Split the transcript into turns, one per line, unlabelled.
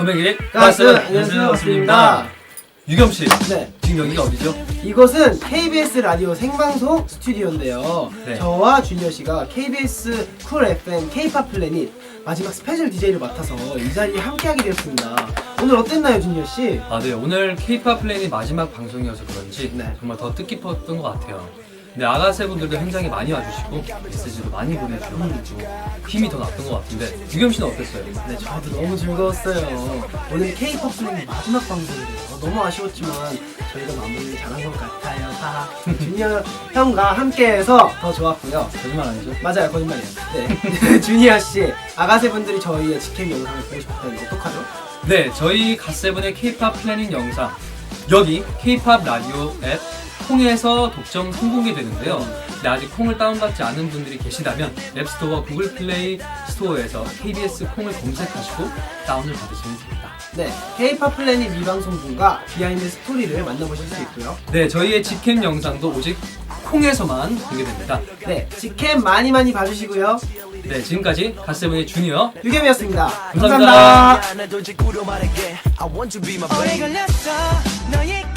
금액이
가스! 안녕하세요, 가스입니다.
유겸씨,
네.
지금 여기가 어디죠?
이것은 KBS 라디오 생방송 스튜디오인데요.
네.
저와 주니어 씨가 KBS 쿨 FM K-팝 플래닛 마지막 스페셜 DJ를 맡아서 이 자리에 함께하게 되었습니다. 오늘 어땠나요, 주니어 씨?
네, 오늘 K-팝 플래닛 마지막 방송이어서 그런지
네.
정말 더 뜻깊었던 것 같아요. 네, 아가새분들도 굉장히 많이 와주시고 메시지도 많이 보내주셔서 힘이 더 났던 것 같은데 유겸씨는 어땠어요?
네, 저도 너무 즐거웠어요. 오늘 K-팝 플래닛 마지막 방송이에요. 너무 아쉬웠지만 저희가 마무리를 잘한 것 같아요. 하하. 주니어 형과 함께해서 더 좋았고요.
거짓말 아니죠?
맞아요, 거짓말이에요. 네. 주니어 씨, 아가새 분들이 저희의 직캠 영상을 보고 싶다면 어떡하죠?
네, 저희 갓세븐의 K-팝 플래닛 영상 여기 K-팝 라디오 앱 콩에서 독점 선공개되는데요. 네, 아직 콩을 다운받지 않은 분들이 계시다면 앱스토어와 구글 플레이 스토어에서 KBS 콩을 검색하시고 다운을 받으시면 됩니다.
네, K-팝 플래닛 미방송분과 비하인드 스토리를 만나보실 수 있고요.
네, 저희의 직캠 영상도 오직 콩에서만 공개됩니다.
네, 직캠 많이 봐주시고요.
네, 지금까지 갓세븐의 주니어
유겸이었습니다.
감사합니다.
감사합니다.